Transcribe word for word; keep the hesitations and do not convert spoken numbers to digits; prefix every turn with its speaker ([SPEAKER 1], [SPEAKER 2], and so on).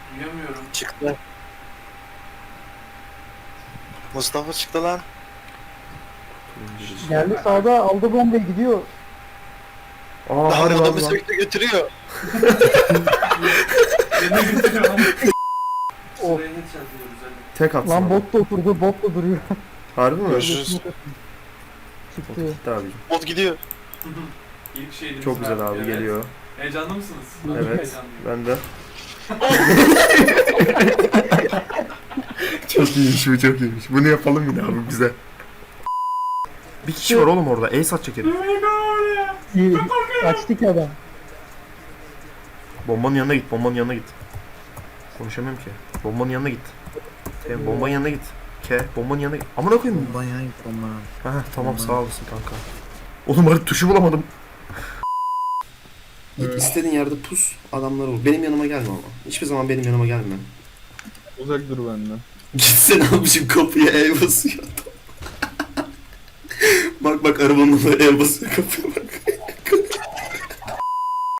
[SPEAKER 1] Duyamıyorum.
[SPEAKER 2] Çıktı. Mustafa çıktı lan.
[SPEAKER 3] Geldi sağda aldı bombayı gidiyor.
[SPEAKER 4] Aa
[SPEAKER 2] Daha
[SPEAKER 4] harbi
[SPEAKER 2] adamı
[SPEAKER 4] lan.
[SPEAKER 2] sürekli götürüyor.
[SPEAKER 1] Yerine götürüyor lan.
[SPEAKER 3] Oh.
[SPEAKER 1] Sıraya headshot diyoruz hadi.
[SPEAKER 4] Tek atsın.
[SPEAKER 3] Lan
[SPEAKER 4] adam.
[SPEAKER 3] bot da oturdu, bot da duruyor.
[SPEAKER 4] Harbi mi?
[SPEAKER 2] Görüşürüz.
[SPEAKER 3] Çıktı.
[SPEAKER 4] Gitti abicim.
[SPEAKER 2] Bot gidiyor.
[SPEAKER 1] İlk şeyimiz
[SPEAKER 4] Çok güzel
[SPEAKER 1] var.
[SPEAKER 4] abi
[SPEAKER 1] Evet.
[SPEAKER 4] geliyor.
[SPEAKER 1] Heyecanlı mısınız? Ben
[SPEAKER 4] Evet.
[SPEAKER 1] heyecanlıyım.
[SPEAKER 4] Ben de. Çok iyiymiş bu, çok iyiymiş. Bunu yapalım yine abi bize. Bir kişi var oğlum orada. Ace atacak herif.
[SPEAKER 3] İyi. Açtık adam.
[SPEAKER 4] Bombanın yanına git. Bombanın yanına git. Konuşamıyorum ki. Bombanın yanına git. Tamam, bombanın yanına git. Ke. Bombanın yanına git. Amına koyayım.
[SPEAKER 5] Bomba ya bomba.
[SPEAKER 4] Ha tamam sağ olasın kanka. Oğlum hadi tuşu bulamadım. Git istediğin yerde pus, adamları vur. Benim yanıma gelme ama. Hiçbir zaman benim yanıma gelme.
[SPEAKER 5] Uzak dur benden.
[SPEAKER 4] Gitsene abicim, kapıya el basıyor adam. Bak bak arabanın da el basıyor kapıya.